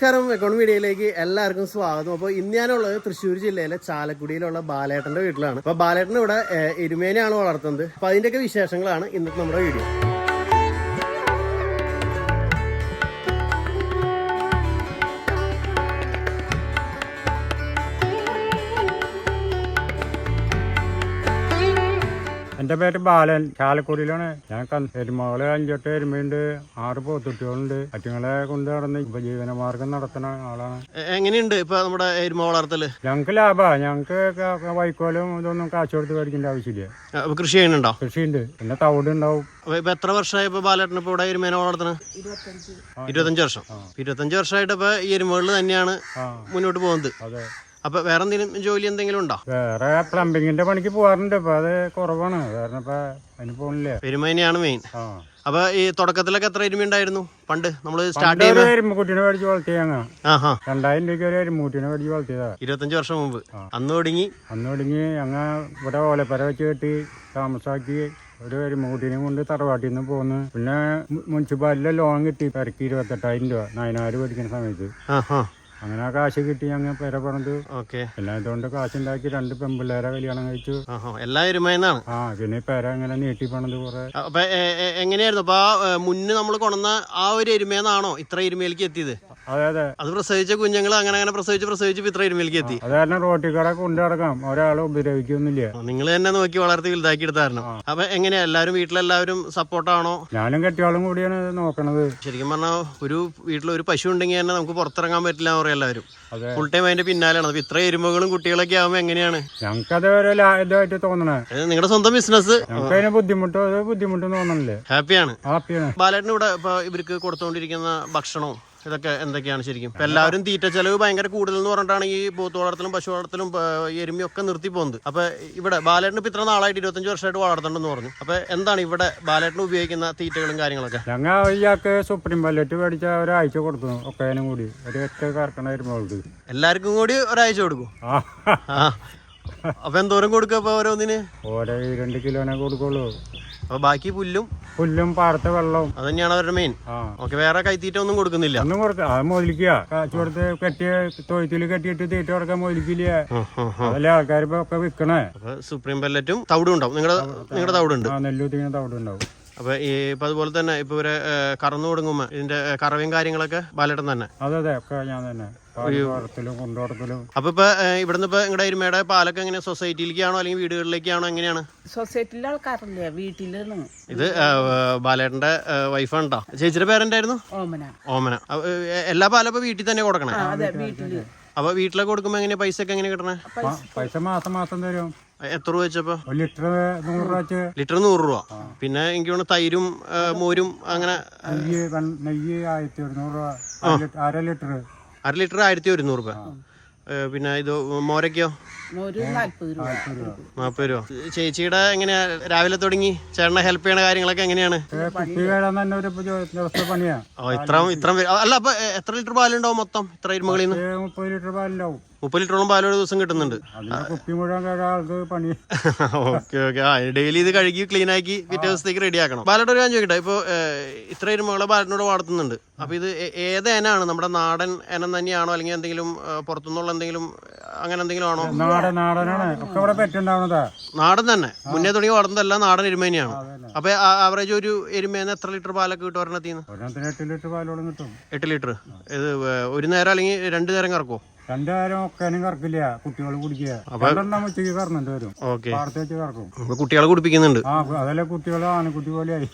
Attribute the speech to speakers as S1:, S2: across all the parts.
S1: നമസ്കാരം, എക്കോണമി മീഡിയയിലേക്ക് എല്ലാവർക്കും സ്വാഗതം. അപ്പോൾ ഇന്ന് ഞാനുള്ളത് തൃശ്ശൂർ ജില്ലയിലെ ചാലക്കുടിയിലുള്ള ബാലേട്ടന്റെ വീട്ടിലാണ്. അപ്പോൾ ബാലേട്ടൻ ഇവിടെ എരുമേനെയാണ് വളർത്തുന്നത്. അപ്പോൾ അതിന്റെയൊക്കെ വിശേഷങ്ങളാണ് ഇന്നത്തെ നമ്മുടെ വീഡിയോ.
S2: എൻ്റെ പേര് ബാലൻ, ചാലക്കുടിയിലാണ്. ഞാൻ എരുമകള് 5-8 എരുമയുണ്ട്, 6 പോത്തുട്ടികളുണ്ട്. അറ്റുങ്ങളെ കൊണ്ട് നടന്ന് ഉപജീവനമാർഗം നടത്തുന്ന ആളാണ്.
S1: എങ്ങനെയുണ്ട് ഇപ്പൊ നമ്മുടെ എരുമ വളർത്തല്?
S2: ഞങ്ങൾക്ക് ലാഭമാണ്. ഞങ്ങൾക്ക് വൈക്കോലും ഇതൊന്നും കാശ് കൊടുത്ത് മേടിക്കേണ്ട ആവശ്യമില്ല.
S1: കൃഷി ചെയ്യുന്നുണ്ടോ?
S2: കൃഷിയുണ്ട്, പിന്നെ തവിട് ഉണ്ടാവും.
S1: ഇപ്പൊ എത്ര വർഷമായി ഇപ്പൊ ബാലേട്ടൻ ഇപ്പൊ ഇവിടെ എരുമേനെ വളർത്തുന്നത്? 25 വർഷം. 25 വർഷമായിട്ട് ഇപ്പൊ ഈ എരുമകളിൽ തന്നെയാണ് മുന്നോട്ട് പോകുന്നത്.
S2: അതെ.
S1: അപ്പൊ വേറെ എന്തെങ്കിലും ജോലി എന്തെങ്കിലും ഉണ്ടോ?
S2: വേറെ പ്ലംബിങ്ങിന്റെ പണിക്ക് പോകാറുണ്ട്. ഇപ്പൊ അത് കുറവാണ്, കാരണം ഇപ്പൊ അതിന് പോണില്ല.
S1: എരുമ തന്നെയാണ് മെയിൻ. അപ്പൊ ഈ തുടക്കത്തിലൊക്കെ എത്ര എരുമ ഉണ്ടായിരുന്നു പണ്ട് നമ്മള് സ്റ്റാർട്ട് ചെയ്യുമ്പോൾ?
S2: എരുമക്കുട്ടിനെ മേടിച്ച് വളർത്തിയ 2000 രൂപയ്ക്ക് ഒരു എരുമക്കുട്ടിനെ മേടിച്ച് വളർത്തിയതാ 25
S1: വർഷം മുമ്പ്. അന്ന് തുടങ്ങി
S2: ഞങ്ങൾ ഇവിടെ ഓലപ്പര വെച്ച് കെട്ടി താമസാക്കി ഒരു എരുമക്കുട്ടീനെ കൊണ്ട് തറവാട്ടിൽ നിന്ന് പോന്ന്. പിന്നെ മുനിസിപ്പാലിറ്റിയിലെ ലോൺ കിട്ടി പെരക്ക് 28,000 രൂപ 4,000 മേടിക്കുന്ന സമയത്ത്. അങ്ങനെ ആ കാശ് കിട്ടി ഞങ്ങൾ പെര പറഞ്ഞത്. പിന്നെ അതുകൊണ്ട് കാശുണ്ടാക്കി 2 പെൺപിള്ളേരെ കല്യാണം കഴിച്ചു.
S1: എല്ലാ എരുമയെന്നാണ്.
S2: പിന്നെ പെര അങ്ങനെ നീട്ടി പണത് കുറെ.
S1: അപ്പൊ എങ്ങനെയായിരുന്നു അപ്പൊ മുന്നേ നമ്മൾ കൊണ്ടുവന്ന ആ ഒരു എരുമയെന്നാണോ ഇത്ര എരുമയിലേക്ക് എത്തിയത്?
S2: അതെ അതെ.
S1: അത് പ്രസവിച്ച കുഞ്ഞുങ്ങൾ അങ്ങനെ പ്രസവിച്ച് ഇത്ര എരുമയിലേക്ക് എത്തി.
S2: അത് കാരണം റോട്ടിൽ കട കൊണ്ടു നടക്കാം, ഒരാളെ ഉപദ്രവിക്കൊന്നുമില്ല.
S1: നിങ്ങൾ തന്നെ നോക്കി വളർത്തി വലുതാക്കി എടുത്തായിരുന്നു. അപ്പൊ എങ്ങനെയാ വീട്ടിലെല്ലാവരും സപ്പോർട്ടാണോ?
S2: ഞാനും കെട്ടിയാളും കൂടിയാണ് നോക്കണത്.
S1: ശരിക്കും പറഞ്ഞാൽ ഒരു വീട്ടിൽ ഒരു പശു ഉണ്ടെങ്കിൽ തന്നെ നമുക്ക് പുറത്തിറങ്ങാൻ പറ്റില്ല എന്ന് പറയാം എല്ലാവരും. ഫുൾ ടൈം അതിന്റെ പിന്നാലെയാണ്. അപ്പൊ ഇത്ര എരുമകളും കുട്ടികളൊക്കെ ആവുമ്പോ എങ്ങനെയാണ്?
S2: ഞങ്ങൾക്കത് ഒരു ഇതായിട്ട് തോന്നണേ.
S1: നിങ്ങളുടെ സ്വന്തം ബിസിനസ്.
S2: ഞങ്ങൾക്ക് അതിന് ബുദ്ധിമുട്ട് തോന്നണില്ലേ?
S1: ഹാപ്പിയാണ്. ബാലേട്ടന് ഇവിടെ ഇപ്പൊ ഇവർക്ക് കൊടുത്തോണ്ടിരിക്കുന്ന ഭക്ഷണവും ഇതൊക്കെ എന്തൊക്കെയാണ് ശരിക്കും? എല്ലാവരും തീറ്റ ചെലവ് ഭയങ്കര കൂടുതൽ എന്ന് പറഞ്ഞിട്ടാണ് ഈ പോത്ത് വളർത്തലും പശു വളർത്തലും എരുമയൊക്കെ നിർത്തി പോകുന്നത്. അപ്പൊ ഇവിടെ ബാലേട്ടന് ഇപ്പൊ ഇത്ര നാളായിട്ട് 25 വർഷമായിട്ട് വളർത്തണ്ടെന്ന് പറഞ്ഞു. അപ്പൊ എന്താണ് ഇവിടെ ബാലേട്ടന് ഉപയോഗിക്കുന്ന തീറ്റകളും കാര്യങ്ങളൊക്കെ?
S2: ഞങ്ങൾ ഇയാൾക്ക് സുപ്രീം പല്ലറ്റ് മേടിച്ച ഒരാഴ്ച കൊടുത്തു. ഒക്കേനും കൂടി ഒരു കറക്കണ എരുമകൾക്ക് എല്ലാവർക്കും
S1: കൂടി ഒരാഴ്ച കൊടുക്കും. അപ്പൊ എന്തോരം കൊടുക്കുക അപ്പൊ ഓരോന്നിന്?
S2: 2 കിലോനെ കൊടുക്കുള്ളൂ.
S1: അപ്പൊ ബാക്കി പുല്ലും
S2: പാടത്തെ വെള്ളവും അത്
S1: തന്നെയാണ് അവരുടെ മെയിൻ. വേറെ കൈത്തീറ്റ ഒന്നും കൊടുക്കുന്നില്ല.
S2: ഒന്നും കൊടുക്കുക, അത് മുതലിക്കുക. കാശ് കൊടുത്ത് കെട്ടിയ തൊഴുത്തില് കെട്ടിയിട്ട് തീറ്റ കൊടുക്കാൻ മുതലിക്കില്ല. അതല്ലേ ആൾക്കാർ ഒക്കെ വിൽക്കണേ.
S1: സുപ്രീം പല്ലറ്റും തവിടും ഉണ്ടാവും. നിങ്ങളുടെ തവിടുണ്ട്?
S2: നെല്ലൂത്തിങ്ങനെ തവിടുണ്ടാവും.
S1: അപ്പൊ ഇപ്പൊ അതുപോലെ തന്നെ ഇപ്പൊ ഇവരെ കറന്നു കൊടുങ്ങുമ്പോ ഇതിന്റെ കറവയും കാര്യങ്ങളൊക്കെ ബാലേട്ടൻ തന്നെ?
S2: അതെ അതെ, ഒക്കെ ഞാൻ തന്നെ കൊണ്ടുവരത്തിലും.
S1: അപ്പൊ ഇപ്പൊ ഇവിടുന്ന് ഇപ്പൊ നിങ്ങളുടെ എരുമയുടെ പാലൊക്കെ എങ്ങനെ സൊസൈറ്റിയിലേക്കാണോ അല്ലെങ്കിൽ വീടുകളിലേക്കാണോ, എങ്ങനെയാണ്?
S3: സൊസൈറ്റിയിലെ ആൾക്കാരല്ലേ, വീട്ടിലാണ്.
S1: ഇത് ബാലേട്ടന്റെ വൈഫാണ് ട്ടോ. ചേച്ചിയുടെ പേരെന്തായിരുന്നു? ഓമന. എല്ലാ പാലും ഇപ്പൊ വീട്ടിൽ തന്നെ കൊടുക്കണേ? അപ്പൊ വീട്ടിലൊക്കെ കൊടുക്കുമ്പോ എങ്ങനെയാ പൈസ ഒക്കെ എങ്ങനെ കിട്ടണേ?
S2: പൈസ മാസം തരും.
S1: എത്ര രൂപ വെച്ചപ്പോ?
S2: ലിറ്റർ
S1: 100 രൂപ. പിന്നെ എനിക്ക് തോന്നുന്നു തൈരും മോരും അങ്ങനെ
S2: നെയ്യ് 1100 രൂപ. 1/2 ലിറ്റർ
S1: 1,100 രൂപ. പിന്നെ ഇത് മോരൊക്കെയോ? 40 രൂപ. ചേച്ചിയുടെ എങ്ങനെയാ രാവിലെ തുടങ്ങി ചേട്ടനെ ഹെൽപ്പ് ചെയ്യണ കാര്യങ്ങളൊക്കെ എങ്ങനെയാണ്? ഇത്ര അല്ല, അപ്പൊ എത്ര ലിറ്റർ പാലുണ്ടാവും മൊത്തം ഇത്ര എരുമകളിൽ നിന്ന്?
S2: 30 ലിറ്റർ പാലുണ്ടാവും.
S1: 30 ലിറ്ററോളം പാൽ ഒരു ദിവസം കിട്ടുന്നുണ്ട്. ഡെയിലി ഇത് കഴുകി ക്ലീൻ ആക്കി പിറ്റേ ദിവസത്തേക്ക് റെഡി ആക്കണം. ബാലേട്ടൻ ഒരു കാര്യം ചോദിക്കട്ടെ, ഇപ്പൊ ഇത്ര എരുമകളെ ബാലേട്ടനോട് വളർത്തുന്നുണ്ട്. അപ്പൊ ഇത് ഏത് എനാണ്? നമ്മുടെ നാടൻ എനം തന്നെയാണോ അല്ലെങ്കിൽ എന്തെങ്കിലും പുറത്തുനിന്നുള്ള എന്തെങ്കിലും അങ്ങനെ എന്തെങ്കിലും ആണോ? നാടൻ തന്നെ മുന്നേ തുടങ്ങി വളർന്നതെല്ലാം നാടൻ എരുമ തന്നെയാണ്. അപ്പൊ ആവറേജ് ഒരു എരുമേന്ന് എത്ര ലിറ്റർ പാലൊക്കെ കിട്ടും ഒരെണ്ണത്തിന്?
S2: 8 ലിറ്റർ പാലോളം കിട്ടും.
S1: 8 ലിറ്റർ. ഇത് ഒരു നേരം അല്ലെങ്കിൽ 2 നേരം കറക്കോ?
S2: 2 നേരം ഒക്കാനും കറക്കില്ല, കുട്ടികൾ കുടിക്കുക. ഉച്ചയ്ക്ക് കറന്നിട്ട് വരും. പാടത്ത് വെച്ച് കറക്കും.
S1: കുട്ടികളെ കുടിപ്പിക്കുന്നുണ്ട്.
S2: അതല്ലേ കുട്ടികളെ ആനക്കുട്ടി പോലെയായി.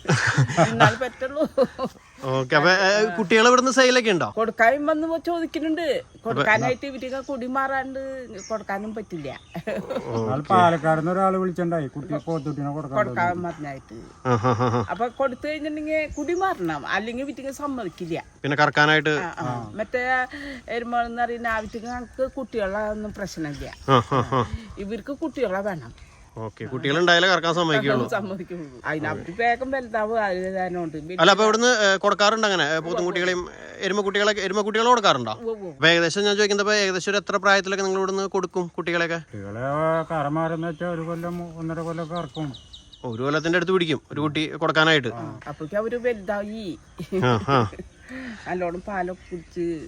S1: ഓക്കെ. അപ്പൊ കുട്ടികളെ ഇവിടുന്ന് സെയിലൊക്കെ ഉണ്ടോ?
S3: കൊടുക്കാനും വന്ന് ചോദിക്കുന്നുണ്ട്. കൊടുക്കാനായിട്ട് ഇവർക്ക് കുടി മാറാണ്ട് കൊടുക്കാനും പറ്റില്ല.
S2: പാലക്കാട് ഒരാള് വിളിച്ചിട്ടുണ്ടായി കുട്ടി പോത്തുട്ടിനെ
S3: കൊടുക്കാൻ പറഞ്ഞായിട്ട്. അപ്പൊ കൊടുത്തു കഴിഞ്ഞിട്ടുണ്ടെങ്കിൽ കുടി മാറണം, അല്ലെങ്കിൽ വീട്ടിൽ സമ്മതിക്കില്ല.
S1: പിന്നെ കറക്കാനായിട്ട്
S3: മറ്റേ എരുമകളെന്ന് പറയുന്ന ആവശ്യത്തിന് ഞങ്ങൾക്ക് കുട്ടികളൊന്നും പ്രശ്നമില്ല. ഇവർക്ക് കുട്ടികളെ വേണം.
S1: കുട്ടികളുണ്ടായാലേ കറക്കാൻ സമ്മതിക്കുള്ളൂ.
S3: അതിനകത്ത് വേഗം വലുതാവും.
S1: അല്ല, അപ്പൊ ഇവിടുന്ന് കൊടുക്കാറുണ്ട് അങ്ങനെ പോത്തുംകുട്ടികളെയും എരുമക്കുട്ടികളെ കൊടുക്കാറുണ്ടോ? അപ്പൊ ഏകദേശം ഞാൻ ചോദിക്കുന്നത് ഏകദേശം ഒരു എത്ര പ്രായത്തിലൊക്കെ നിങ്ങൾ ഇവിടുന്ന് കൊടുക്കും കുട്ടികളെയൊക്കെ?
S2: ഒരു കൊല്ലം 1.5 കൊല്ലം കറക്കും.
S1: 1 കൊല്ലത്തിന്റെ അടുത്ത് പിടിക്കും ഒരു കുട്ടി കൊടുക്കാനായിട്ട്.
S3: അപ്പൊ അവര് വലുതായി നല്ലോണം പാലൊക്കെ കുടിച്ച്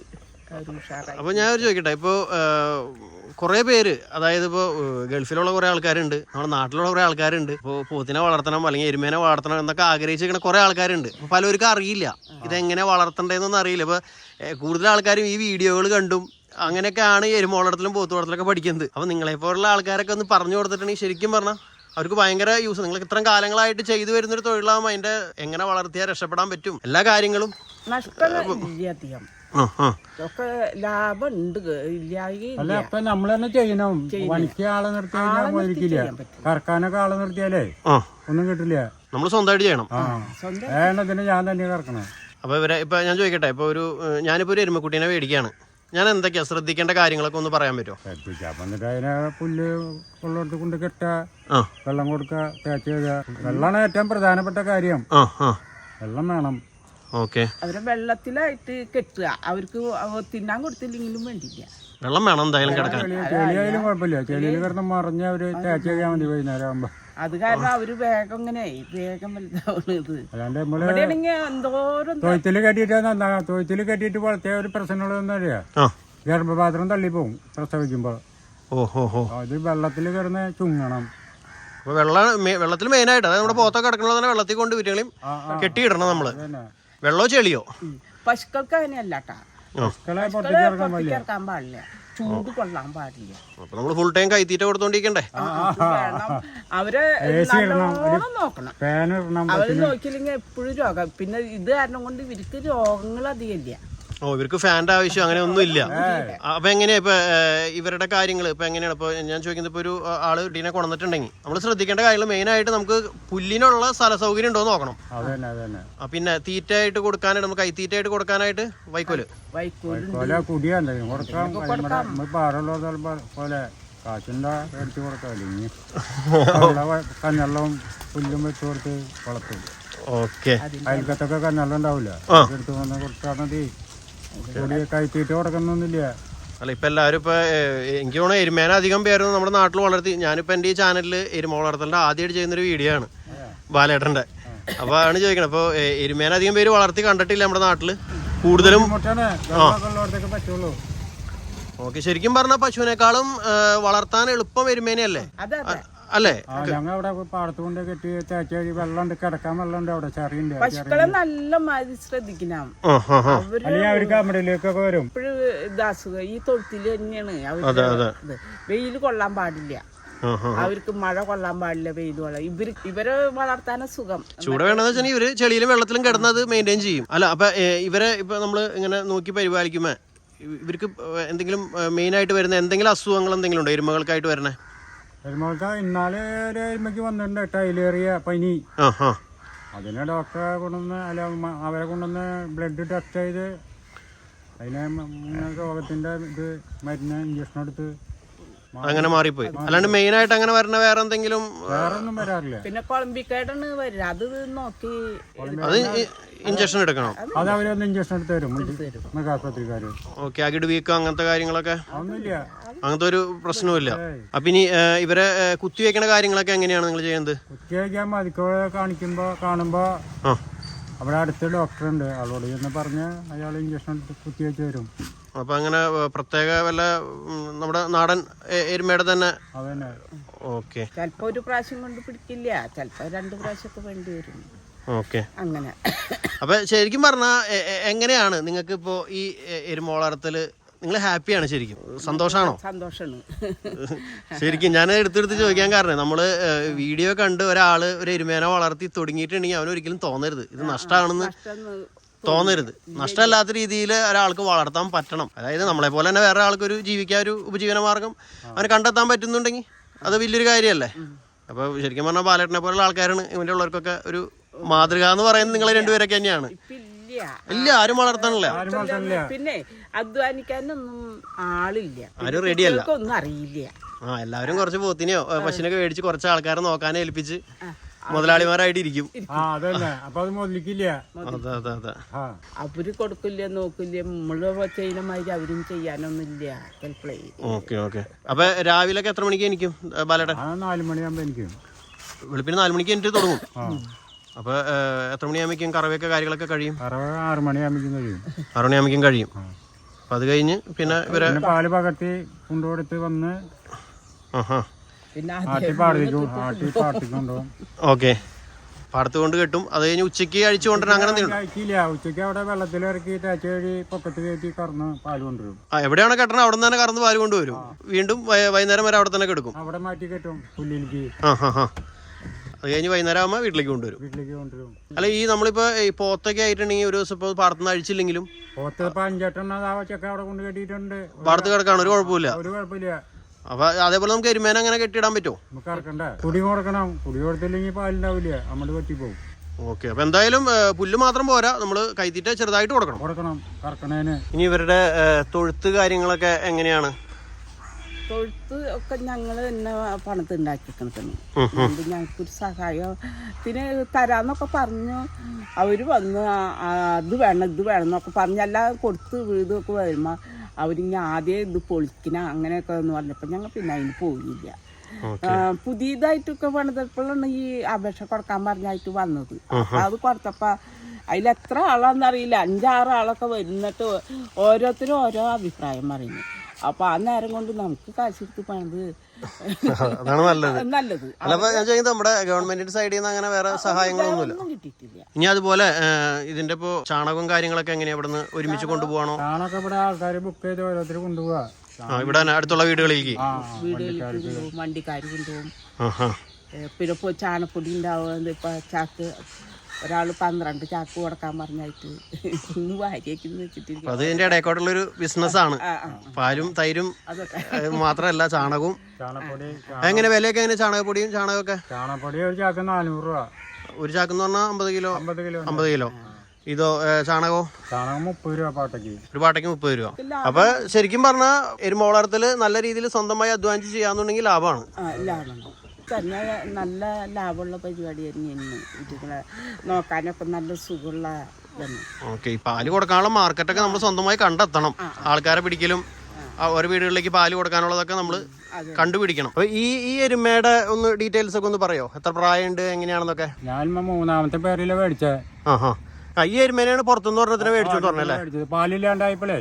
S3: ഒരു ഉഷാറായി.
S1: അപ്പോൾ ഞാൻ ചോദിക്കട്ടെ, ഇപ്പോൾ കുറേ പേര്, അതായത് ഇപ്പോൾ ഗൾഫിലുള്ള കുറേ ആൾക്കാരുണ്ട്, നമ്മുടെ നാട്ടിലുള്ള കുറേ ആൾക്കാരുണ്ട്, ഇപ്പോൾ പോത്തിനെ വളർത്തണം അല്ലെങ്കിൽ എരുമേനെ വളർത്തണം എന്നൊക്കെ ആഗ്രഹിച്ചിരിക്കുന്ന കുറേ ആൾക്കാരുണ്ട്. അപ്പോൾ പലർക്കും അറിയില്ല ഇതെങ്ങനെ വളർത്തണ്ടേന്നൊന്നും അറിയില്ല. ഇപ്പോൾ കൂടുതൽ ആൾക്കാരും ഈ വീഡിയോകൾ കണ്ടും അങ്ങനെയൊക്കെയാണ് ഈ എരുമ വളർത്തലും പോത്ത് വളർത്തലൊക്കെ പഠിക്കുന്നത്. അപ്പോൾ നിങ്ങളെപ്പോലുള്ള ആൾക്കാരൊക്കെ ഒന്ന് പറഞ്ഞു കൊടുത്തിട്ടുണ്ടെങ്കിൽ ശരിക്കും പറഞ്ഞാൽ അവർക്ക് ഭയങ്കര യൂസ്. നിങ്ങൾ ഇത്രയും കാലങ്ങളായിട്ട് ചെയ്തു വരുന്നൊരു തൊഴിലാകുമ്പോൾ അതിൻ്റെ എങ്ങനെ വളർത്തിയാൽ രക്ഷപ്പെടാൻ പറ്റും എല്ലാ കാര്യങ്ങളും
S3: നഷ്ടമില്ല അധികം, ഒക്കെ ലാഭം ഉണ്ട്.
S2: അല്ല അപ്പൊ നമ്മൾ തന്നെ ചെയ്യണം. പണിക്ക് ആളെ നിർത്തി കഴിഞ്ഞാൽ പോയിരിക്കില്ല. കറക്കാനൊക്കെ ആളെ നിർത്തിയാലേ ഒന്നും കിട്ടില്ല.
S1: നമ്മൾ സ്വന്തമായിട്ട് ചെയ്യണം.
S2: വേണ്ടതിന് ഞാൻ തന്നെ കറക്കണം.
S1: അപ്പോൾ ഇപ്പം ഞാൻ ചോദിക്കട്ടെ, ഇപ്പോൾ ഞാനിപ്പോൾ ഒരു എരുമക്കുട്ടീനെ മേടിക്കുകയാണ്, ഞാൻ എന്തൊക്കെയാണ് ശ്രദ്ധിക്കേണ്ട കാര്യങ്ങളൊക്കെ ഒന്ന് പറയാൻ പറ്റുമോ?
S2: ശ്രദ്ധിക്കാം. വന്നിട്ട് അതിനെ പുല്ല് ഉള്ളിടത്ത് കൊണ്ട് കെട്ടുക, വെള്ളം കൊടുക്കുക, തേച്ച് കഴുകുക. വെള്ളമാണ് ഏറ്റവും പ്രധാനപ്പെട്ട കാര്യം. വെള്ളം വേണം.
S1: ഓക്കെ.
S3: അവരെ വെള്ളത്തിലായിട്ട് കെട്ടുക. അവർക്ക് തിന്നാൻ കൊടുത്തില്ലെങ്കിലും വേണ്ടില്ല,
S1: വെള്ളം വേണം എന്തായാലും കിടക്കാൻ.
S2: ചെളിയായാലും കുഴപ്പമില്ല. ചെളിയിൽ കിടന്ന് മറിഞ്ഞ് അവര് തേച്ച് കഴിയാൻ മതി വൈകുന്നേരം ആകുമ്പോ.
S3: അത് കാരണം അവര് വേഗം ഇങ്ങനെ വേഗം വലുതാവുന്നത്.
S2: അല്ലാണ്ട് നമ്മള് തൊഴുത്തില് കെട്ടിയിട്ട് നന്നാ. തൊഴുത്തില് കെട്ടിയിട്ട് വളർത്തിയ ഒരു പ്രശ്നമുള്ളതെന്ന് അറിയാം, ഗർഭപാത്രം തള്ളിപ്പോവും പ്രസവിക്കുമ്പോ. അത് വെള്ളത്തിൽ കിടന്ന് ചുങ്ങണം.
S1: അപ്പോൾ വെള്ളത്തിൽ മെയിനായിട്ട്, അതായത് നമ്മുടെ പോത്തൊക്കെ കിടക്കണത് തന്നെ വെള്ളത്തിൽ കൊണ്ട് വീട്ടുകളെയും കെട്ടിയിടണം നമ്മള്. വെള്ളമോ ചെളിയോ? പശുക്കൾക്ക്
S3: അങ്ങനെയല്ല കേട്ടാ, പുറത്തിറക്കാൻ പാടില്ല, ചൂട് കൊള്ളാൻ പാടില്ല.
S1: അപ്പൊ നമ്മള് ഫുൾ ടൈം കൈത്തീറ്റ കൊടുത്തോണ്ടിരിക്കണ്ടേ?
S3: അവരെ നല്ലോണം നോക്കണം. അവര് നോക്കിയില്ലെങ്കിൽ എപ്പോഴും രോഗം. പിന്നെ ഇത് കാരണം കൊണ്ട് ഇവർക്ക് രോഗങ്ങൾ അധികം ഇല്ല.
S1: ഇവർക്ക് ഫാൻ്റെ ആവശ്യം അങ്ങനെ ഒന്നും ഇല്ല. അപ്പൊ എങ്ങനെയാ ഇപ്പൊ ഇവരുടെ കാര്യങ്ങൾ ഇപ്പൊ എങ്ങനെയാണ്? ഇപ്പൊ ഞാൻ ചോദിക്കുന്നത്, ഇപ്പൊ ഒരു ആള് ടീനെ കൊണ്ടുവന്നിട്ടുണ്ടെങ്കിൽ നമ്മൾ ശ്രദ്ധിക്കേണ്ട കാര്യങ്ങൾ മെയിൻ ആയിട്ട് നമുക്ക് പുല്ലിനുള്ള സ്ഥല സൗകര്യം ഉണ്ടോ എന്ന് നോക്കണം. പിന്നെ തീറ്റയായിട്ട് കൊടുക്കാനായിട്ട്, നമുക്ക് കൈത്തീറ്റയായിട്ട് കൊടുക്കാനായിട്ട് വൈക്കോല്
S2: കഞ്ഞെള്ളവും പുല്ലും വെച്ച് കൊടുത്ത് വളർത്തും.
S1: ഓക്കെ.
S2: അയൽക്കത്തൊക്കെ കഞ്ഞെള്ളം ഉണ്ടാവില്ല, എടുത്ത് വന്ന് കൊടുത്താൽ മതി. കൈത്തീറ്റ കൊടുക്കുന്നൊന്നുമില്ല.
S1: അല്ല ഇപ്പൊ എല്ലാവരും ഇപ്പൊ എനിക്ക് തോന്നുന്നു എരുമേന അധികം പേരൊന്നും നമ്മുടെ നാട്ടിൽ വളർത്തി. ഞാനിപ്പോ എന്റെ ഈ ചാനലിൽ എരുമ വളർത്തലിന്റെ ആദ്യമായിട്ട് ചെയ്യുന്നൊരു വീഡിയോ ആണ് ബാലേട്ടന്റെ. അപ്പൊ ആണ് ചോദിക്കണം, അപ്പൊ എരുമേന അധികം പേര് വളർത്തി കണ്ടിട്ടില്ല നമ്മുടെ നാട്ടില്. കൂടുതലും ഓക്കെ. ശരിക്കും പറഞ്ഞ പശുവിനേക്കാളും വളർത്താൻ എളുപ്പം എരുമേനയല്ലേ? അല്ലേ?
S2: ഞങ്ങൾ പാടത്ത് കൊണ്ട് കെട്ടി തേച്ച് വെള്ളം കിടക്കാൻ വെള്ളം അവിടെ ചെറിയുണ്ട്.
S3: പശുക്കളെ നല്ല മാതിരി ശ്രദ്ധിക്കണം.
S2: അവർക്ക് അമ്മയിലേക്കൊക്കെ വരും.
S3: ഇത് അസുഖം ഈ തൊഴുത്തില് തന്നെയാണ്. അവര് വെയിൽ കൊള്ളാൻ പാടില്ല, അവർക്ക് മഴ കൊള്ളാൻ പാടില്ല, വെയിൽ കൊള്ളാം. ഇവരെ വളർത്താനും സുഖം.
S1: ചൂട് വേണമെന്ന് വെച്ചാൽ ഇവര് ചെളിയിലും വെള്ളത്തിലും കിടന്നത് മെയിൻറ്റെയിൻ ചെയ്യും. അല്ല അപ്പൊ ഇവരെ ഇപ്പൊ നമ്മള് ഇങ്ങനെ നോക്കി പരിപാലിക്കുമ്പോ ഇവർക്ക് എന്തെങ്കിലും മെയിൻ ആയിട്ട് വരുന്ന എന്തെങ്കിലും അസുഖങ്ങൾ എന്തെങ്കിലും ഉണ്ടോ എരുമകൾക്കായിട്ട് വരണേ?
S2: എരുമകൾക്ക് ഇന്നാലെ ഒരു എരുമയ്ക്ക് വന്നിട്ടുണ്ട് ടൈലേറിയ പനി. അതിനെ ഡോക്ടറെ കൊണ്ടുവന്ന് അവരെ കൊണ്ടുവന്ന് ബ്ലഡ് ടെസ്റ്റ് ചെയ്ത് അതിനെ രോഗത്തിന്റെ ഇത് മരുന്ന് ഇഞ്ചക്ഷൻ എടുത്ത്
S1: അങ്ങനെ മാറിപ്പോയി. അല്ലാണ്ട് മെയിൻ ആയിട്ട് അങ്ങനെ വരണ വേറെ എന്തെങ്കിലും
S2: വേറൊന്നും വരാറില്ല.
S3: പിന്നെ കൊളമ്പിക്കായിട്ടാണ് വരിക. അത് നോക്കി
S1: അത് ഇഞ്ചക്ഷൻ എടുക്കണം.
S2: അത് അവരൊന്ന് ഇഞ്ചക്ഷൻ എടുത്ത് തരും മൃഗാശുപത്രിക്കാര്.
S1: ഓക്കെ. അകിട് വീക്കം അങ്ങനത്തെ കാര്യങ്ങളൊക്കെ
S2: ഒന്നുമില്ല,
S1: അങ്ങനത്തെ ഒരു പ്രശ്നവുമില്ല. അപ്പൊ ഇനി ഇവരെ കുത്തിവെക്കണ കാര്യങ്ങളൊക്കെ എങ്ങനെയാണ് നിങ്ങൾ ചെയ്യുന്നത്?
S2: കുത്തിവെക്കാൻ മതിക്കോടെ കാണുമ്പോ അവിടെ അടുത്ത ഡോക്ടർ ഉണ്ട്, ആളോട് എന്ന് പറഞ്ഞ് അയാൾ ഇഞ്ചക്ഷൻ എടുത്ത് കുത്തിവെച്ച് തരും.
S1: അപ്പൊ അങ്ങനെ പ്രത്യേക വല്ല നമ്മുടെ നാടൻ എരുമയുടെ തന്നെ?
S2: അതന്നെ.
S1: ഓക്കെ.
S3: ചിലപ്പോ ഒരു പ്രാവശ്യം കൊണ്ട് പിടിക്കില്ല, ചിലപ്പോ 2 പ്രാവശ്യമൊക്കെ വേണ്ടി വരും.
S1: ഓക്കെ.
S3: അങ്ങനെ.
S1: അപ്പൊ ശരിക്കും പറഞ്ഞാ എങ്ങനെയാണ് നിങ്ങൾക്ക് ഇപ്പോ ഈ എരുമ വളർത്തല്? നിങ്ങൾ ഹാപ്പിയാണ്? ശരിക്കും സന്തോഷാണോ?
S3: സന്തോഷാണ്.
S1: ശരിക്കും ഞാൻ എടുത്തെടുത്ത് ചോദിക്കാൻ കാരണം, നമ്മള് വീഡിയോ കണ്ട് ഒരാള് ഒരു എരുമേനെ വളർത്തി തുടങ്ങിയിട്ടുണ്ടെങ്കിൽ അവനൊരിക്കലും തോന്നരുത് ഇത് നഷ്ടമാണെന്ന് തോന്നരുത്. നഷ്ടമല്ലാത്ത രീതിയിൽ ഒരാൾക്ക് വളർത്താൻ പറ്റണം. അതായത് നമ്മളെ പോലെ തന്നെ വേറെ ആൾക്കൊരു ജീവിക്കാൻ ഒരു ഉപജീവന മാർഗം അവന് കണ്ടെത്താൻ പറ്റുന്നുണ്ടെങ്കിൽ അത് വലിയൊരു കാര്യമല്ലേ? അപ്പൊ ശരിക്കും പറഞ്ഞാൽ ബാലേട്ടനെ പോലുള്ള ആൾക്കാരാണ് ഇവന്റെ ഉള്ളവർക്കൊക്കെ ഒരു മാതൃക എന്ന് പറയുന്നത് നിങ്ങൾ രണ്ടുപേരൊക്കെ തന്നെയാണ്. ഇല്ല, ആരും വളർത്താനില്ല.
S3: പിന്നെ അധ്വാനിക്കാനൊന്നും ആളില്ല,
S1: ആരും റെഡിയല്ല,
S3: ഒന്നും അറിയില്ല.
S1: എല്ലാവരും കുറച്ച് പോത്തിനെയോ പശുവിനൊക്കെ മേടിച്ച് കുറച്ച് ആൾക്കാരെ നോക്കാനെ ഏൽപ്പിച്ച് മുതലാളിമാരായിട്ട് ഇരിക്കും.
S3: അവര് കൊടുക്കില്ല, നോക്കില്ല, നമ്മള് ചെയ്യുന്ന മാതിരി അവരും ചെയ്യാനൊന്നുമില്ല.
S1: ഓക്കെ. ഓക്കെ. അപ്പൊ രാവിലെ എത്ര മണിക്ക് എനിക്കും ബാലേട്ടൻ?
S2: 4 മണിയാകുമ്പോ എനിക്കും.
S1: വെളുപ്പിന് 4 മണിക്ക് എനിക്ക് തുടങ്ങും. അപ്പൊ എത്ര മണിയാകുമ്പോഴേക്കും കറവയൊക്കെ കാര്യങ്ങളൊക്കെ കഴിയും?
S2: 6 മണിയാകുമ്പോഴേക്കും കഴിയും.
S1: 6 മണിയാകുമ്പോഴേക്കും കഴിയും. അത് കഴിഞ്ഞ് പിന്നെ ഇവരെ
S2: പാല് പകർത്തി കൊണ്ടുകൊടുത്ത് വന്ന്
S3: പിന്നെ
S2: ആട്ടി പാടത്തിക്കൊണ്ടുപോകും.
S1: ഓക്കെ, പാടത്ത് കൊണ്ട് കെട്ടും. അത് കഴിഞ്ഞ് ഉച്ചയ്ക്ക് അഴിച്ചു കൊണ്ടുവരാൻ അങ്ങനെ
S2: കഴിക്കില്ല. ഉച്ചയ്ക്ക് അവിടെ വെള്ളത്തിലിറക്കി തേച്ച് വഴി പൊക്കത്ത് കയറ്റി കറന്ന് പാല് കൊണ്ടുവരും.
S1: എവിടെയാണ് കെട്ടണം അവിടെ നിന്ന് തന്നെ കറന്ന് പാല് കൊണ്ടുവരും. വീണ്ടും വൈകുന്നേരം വരെ അവിടെ തന്നെ കെടുക്കും.
S2: അവിടെ മാറ്റി കെട്ടും പുല്ലിലേക്ക്.
S1: അത് കഴിഞ്ഞ് വൈകുന്നേരം ആകുമ്പോൾ വീട്ടിലേക്ക് കൊണ്ടുവരും. അല്ല, ഈ നമ്മളിപ്പോ ഈ പോത്തൊക്കെ ആയിട്ടുണ്ടെങ്കിൽ ഒരു ദിവസം ഇപ്പോൾ പാടത്തുനിന്ന് അഴിച്ചില്ലെങ്കിലും
S2: പോത്ത് 5-8 ചെക്ക അവിടെ കൊണ്ട് കെട്ടിയിട്ടുണ്ട്.
S1: പാടത്ത് കിടക്കാണ്, ഒരു കുഴപ്പമില്ല.
S2: ഒരു കുഴപ്പമില്ല.
S1: അപ്പൊ അതേപോലെ നമുക്ക് എരുമേനെ അങ്ങനെ കെട്ടിയിടാൻ പറ്റുമോ?
S2: നമുക്ക് ഇറക്കണ്ടേ, കുടി കൊടുക്കണം. കുടി കൊടുത്തില്ലെങ്കിൽ പാലുണ്ടാവില്ല, നമ്മൾ പറ്റിപ്പോവും.
S1: ഓക്കെ, അപ്പൊ എന്തായാലും പുല്ല് മാത്രം പോരാ, നമ്മള് കൈത്തീറ്റ ചെറുതായിട്ട് കൊടുക്കണം
S2: കറക്കണേന്.
S1: ഇനി ഇവരുടെ തൊഴുത്ത് കാര്യങ്ങളൊക്കെ എങ്ങനെയാണ്?
S3: തൊഴുത്ത് ഒക്കെ ഞങ്ങൾ തന്നെ പണത്ത് ഉണ്ടാക്കിക്കണം. ഞങ്ങൾക്കൊരു സഹായത്തിന് തരാന്നൊക്കെ പറഞ്ഞു. അവര് വന്ന് അത് വേണം ഇത് വേണം എന്നൊക്കെ പറഞ്ഞെല്ലാം കൊടുത്ത് വീടൊക്കെ വരുമ്പോൾ അവരിങ്ങനെ ആദ്യം ഇത് പൊളിക്കണ അങ്ങനെയൊക്കെ എന്ന് പറഞ്ഞപ്പോൾ ഞങ്ങൾ പിന്നെ അതിന് പോയില്ല. പുതിയതായിട്ടൊക്കെ പണിതപ്പോഴാണ് ഈ അപേക്ഷ കൊടുക്കാൻ പറഞ്ഞായിട്ട് വന്നത്. അത് കൊടുത്തപ്പോൾ അതിലെത്ര ആളാന്നറിയില്ല, 5-6 ആളൊക്കെ വരുന്നിട്ട് ഓരോരുത്തരും ഓരോ അഭിപ്രായം പറയുന്നു. അപ്പൊ ആ നേരം കൊണ്ട് നമുക്ക് കാശെടുത്ത് പണിത്
S1: അതാണ് നല്ലത്. അല്ലപ്പോ ഞാൻ ചോദിക്കുന്നത് നമ്മുടെ ഗവൺമെന്റിന്റെ സൈഡിൽ നിന്ന് അങ്ങനെ വേറെ സഹായങ്ങളൊന്നും
S3: കിട്ടിയിട്ടില്ല.
S1: ഇനി അതുപോലെ ഇതിന്റെ ഇപ്പോ ചാണകവും കാര്യങ്ങളൊക്കെ എങ്ങനെയാ ഇവിടുന്ന് ഒരുമിച്ച് കൊണ്ടുപോകണോ?
S2: ചാണകം ഇവിടെ ആൾക്കാർ ബുക്ക് ചെയ്ത് ഓരോരുത്തർ കൊണ്ടുപോവാ.
S1: ഇവിടെ അടുത്തുള്ള വീടുകളിലേക്ക്
S3: വണ്ടിക്കാർ കൊണ്ടുപോകും. പിന്നെ ഇപ്പൊ ചാണപ്പൊടി ഉണ്ടാവുക. ഇപ്പൊ ചാക്ക് ഒരാള് 12 ചാക്ക് കൊടുക്കാൻ പറഞ്ഞായിട്ട് ഇന്ന് വാരിയേക്ക് വെച്ചിട്ടില്ല.
S1: അത് ഇതിന്റെ ഇടയ്ക്കോട്ടുള്ളൊരു ബിസിനസ്സാണ്. പാലും തൈരും മാത്രമല്ല ചാണകവും.
S2: ചാണകപ്പൊടി
S1: എങ്ങനെ വിലയൊക്കെ എങ്ങനെ? ചാണകപ്പൊടിയും ചാണകമൊക്കെ?
S2: ചാണകപ്പൊടി ഒരു ചാക്ക് 400 രൂപ.
S1: ഒരു ചാക്കെന്ന് പറഞ്ഞാൽ 50 കിലോ. ഇതോ ചാണകവും?
S2: ചാണകം 30 രൂപ പാട്ടയ്ക്ക്.
S1: ഒരു പാട്ടയ്ക്ക് 30 രൂപ. അപ്പൊ ശരിക്കും പറഞ്ഞാൽ എരുമ വളർത്തല് നല്ല രീതിയിൽ സ്വന്തമായി അധ്വാനിച്ച് ചെയ്യാന്നുണ്ടെങ്കിൽ ലാഭമാണ്.
S3: തന്നെ നല്ല ലാഭമുള്ള പരിപാടി തന്നെയാണ്. ഇതുങ്ങളെ നോക്കാനൊക്കെ നല്ല സുഖമുള്ള ഇതാണ്.
S1: ഓക്കെ, ഈ പാല് കൊടുക്കാനുള്ള മാർക്കറ്റൊക്കെ നമ്മൾ സ്വന്തമായി കണ്ടെത്തണം. ആൾക്കാരെ പിടിക്കലും ഓരോ വീടുകളിലേക്ക് പാല് കൊടുക്കാനുള്ളതൊക്കെ നമ്മൾ കണ്ടുപിടിക്കണം. അപ്പൊ ഈ എരുമയുടെ ഒന്ന് ഡീറ്റെയിൽസ് ഒക്കെ ഒന്ന് പറയോ? എത്ര പ്രായമുണ്ട്, എങ്ങനെയാണെന്നൊക്കെ?
S2: ഞാൻ 3ാമത്തെ പേരില മേടിച്ചേ.
S1: ഈ എരുമേനെയാണ് പുറത്തുനിന്ന് പറഞ്ഞതിനെ മേടിച്ചു പറഞ്ഞല്ലേ?
S2: പാലില്ലാണ്ടായപ്പോഴേ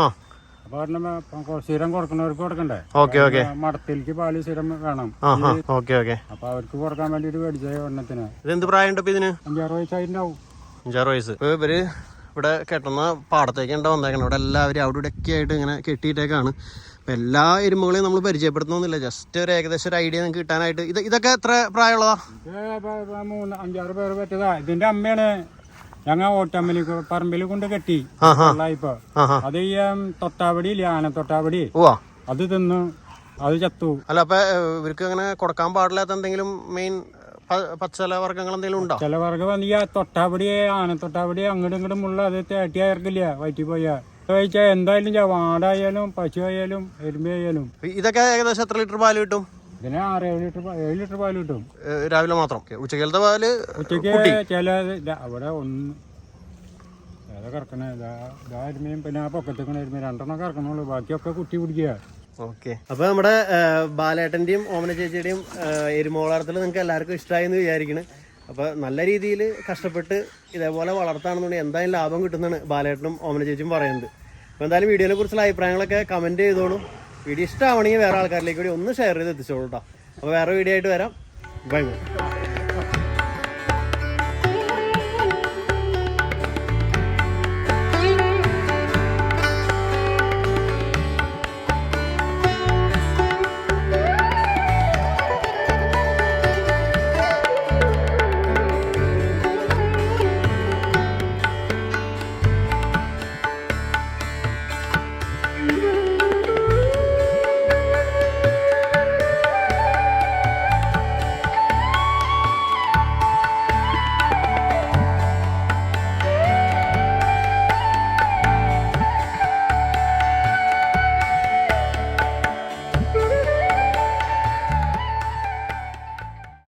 S2: അപ്പൊ സ്ഥിരം കൊടുക്കുന്നവർക്ക് കൊടുക്കണ്ടേ? മടത്തിലേക്ക് പാല് സ്ഥിരം വേണം. അപ്പൊ അവർക്ക് കൊടുക്കാൻ വേണ്ടിട്ട് മേടിച്ച എണ്ണത്തിന്.
S1: ഇതെന്ത് പ്രായമുണ്ട് ഇതിന്?
S2: 5-6 വയസ്സായിട്ടുണ്ടാവും.
S1: 5-6 വയസ്സ്. ഇപ്പൊ ഇവര് ഇവിടെ കെട്ടുന്ന പാടത്തേക്ക് ഉണ്ടോ വന്നേക്കണം. ഇവിടെ എല്ലാവരും അവിടെ ഇവിടെ ഒക്കെ ആയിട്ട് ഇങ്ങനെ കെട്ടിയിട്ടേക്കാണ്. അപ്പം എല്ലാ എരുമകളെയും നമ്മൾ പരിചയപ്പെടുത്തുന്നില്ല, ജസ്റ്റ് ഒരു ഏകദേശം ഒരു ഐഡിയ നിങ്ങൾക്ക് കിട്ടാനായിട്ട്. ഇതൊക്കെ എത്ര പ്രായമുള്ളതാ?
S2: 5-6 പേര് പറ്റതാ. ഇതിന്റെ അമ്മയാണ് ഞങ്ങൾ ഓട്ടമ്മലി പറമ്പിൽ കൊണ്ട് കെട്ടി. ഇപ്പൊ അത് ഈ തൊട്ടാവടി ഇല്ല, ആന തൊട്ടാവടി, അത് തിന്നു, അത് ചത്തു.
S1: അല്ല, അപ്പൊ ഇവർക്ക് അങ്ങനെ കൊടുക്കാൻ പാടില്ലാത്ത എന്തെങ്കിലും മെയിൻ പച്ചല വർഗ്ഗങ്ങൾ എന്തെങ്കിലും ഉണ്ടോ?
S2: ചില വർഗ്ഗം വന്ന് ഈ തൊട്ടാവടി, ആന തൊട്ടാവടി അങ്ങോട്ടും ഇങ്ങോട്ടും മുള്ള അത് തേട്ടി അയർക്കില്ല വയറ്റി പോയാ. കഴിച്ചാൽ എന്തായാലും വാടായാലും പശു ആയാലും എരുമയായാലും.
S1: ഇതൊക്കെ ഏകദേശം എത്ര ലിറ്റർ പാല് കിട്ടും?
S2: ഇതിന് 6-7 ലിറ്റർ പാല് കിട്ടും
S1: രാവിലെ മാത്രം. ഉച്ചക്കലത്തെ പാല്
S2: ഉച്ചക്ക് ചില അവിടെ ഒന്ന് ഏതാ കറക്കണേ, എരുമയും പിന്നെ ആ പൊക്കത്തേക്കണ എരുമ 2 കറക്കണുള്ളൂ, ബാക്കിയൊക്കെ കുട്ടി പിടിക്കുക.
S1: ഓക്കെ, അപ്പൊ നമ്മുടെ ബാലേട്ടന്റെയും ഓമന ചേച്ചിയുടെയും എരുമ വളർത്തൽ നിങ്ങൾക്ക് എല്ലാവർക്കും ഇഷ്ടമായി എന്ന് വിചാരിക്കണ്. അപ്പൊ നല്ല രീതിയിൽ കഷ്ടപ്പെട്ട് ഇതേപോലെ വളർത്താണെന്നുണ്ടെങ്കിൽ എന്തായാലും ലാഭം കിട്ടുന്നതാണ് ബാലേട്ടനും ഓമന ചേച്ചിയും പറയുന്നത്. അപ്പോൾ എന്തായാലും വീഡിയോനെ കുറിച്ചുള്ള അഭിപ്രായങ്ങളൊക്കെ കമന്റ് ചെയ്തോളൂ. വീഡിയോ ഇഷ്ടമാണെങ്കിൽ വേറെ ആൾക്കാരിലേക്ക് കൂടി ഒന്ന് ഷെയർ ചെയ്ത് എത്തിച്ചോളൂ കേട്ടോ. അപ്പോൾ വേറെ വീഡിയോ ആയിട്ട് വരാം. Bye by.